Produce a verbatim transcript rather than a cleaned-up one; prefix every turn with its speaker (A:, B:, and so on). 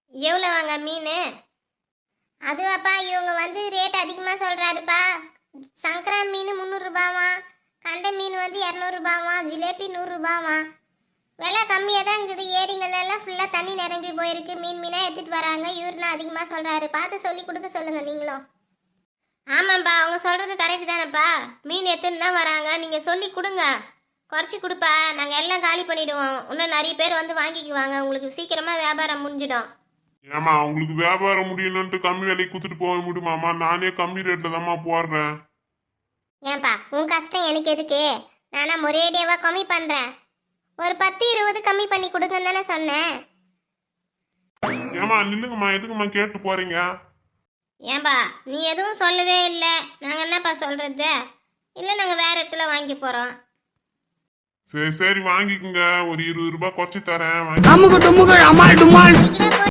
A: எவ்வளோ வாங்க மீன்?
B: அதுவாப்பா இவங்க வந்து ரேட் அதிகமாக சொல்கிறாருப்பா. சங்கரா மீன் முந்நூறுரூபாவா, கண்டை மீன் வந்து இரநூறுபாவா, ஜிலேபி நூறுரூபாவா. விலை கம்மியாக தான் இருக்குது. ஏரிங்களெல்லாம் ஃபுல்லாக தண்ணி நிரம்பி போயிருக்கு. மீன் மீனாக எடுத்துகிட்டு வராங்க. இவருனா அதிகமாக சொல்கிறாரு. பார்த்து சொல்லி கொடுக்க சொல்லுங்கள் நீங்களும்.
A: ஆமாப்பா, அவங்க சொல்கிறது கரெக்டு தானேப்பா. மீன் எடுத்துன்னு தான் வராங்க. நீங்கள் சொல்லி கொடுங்க, குறைச்சி கொடுப்பா. நாங்கள் எல்லாம் காலி பண்ணிவிடுவோம். இன்னும் நிறைய பேர் வந்து வாங்கிக்குவாங்க. உங்களுக்கு சீக்கிரமாக வியாபாரம் முடிஞ்சிடும்.
C: ஏமா உங்களுக்கு வியாபாரம் முடியணும்ட்டு கம்மி விலைக்கு கொடுத்துட்டு போக முடியுமாம்மா? நானே கம்மி ரேட்ல தாம்மா போடுறேன்.
B: ஏன்பா உன் கஷ்டம் எனக்கு எதுக்கு? நானா ஒரேடியாவா கம்மி பண்ணுறேன். ஒரு பத்து இருபது கம்மி பண்ணி கொடுங்கன்னு தானே சொன்னேன்.
C: ஏமா நில்லுங்கம்மா, எதுக்குமா கேட்டு போறீங்க?
A: ஏன்பா நீ எதுவும் சொல்லவே இல்லை. நாங்கள் என்னப்பா சொல்கிறது? இல்லை, நாங்கள் வேறு இடத்துல வாங்கி போகிறோம்.
C: சரி சரி வாங்கிக்கோங்க. ஒரு இருபது ரூபாய் குறைச்சி தரேன்.
D: அமுக டுமுக அமால் டுமால்.
B: கிலோ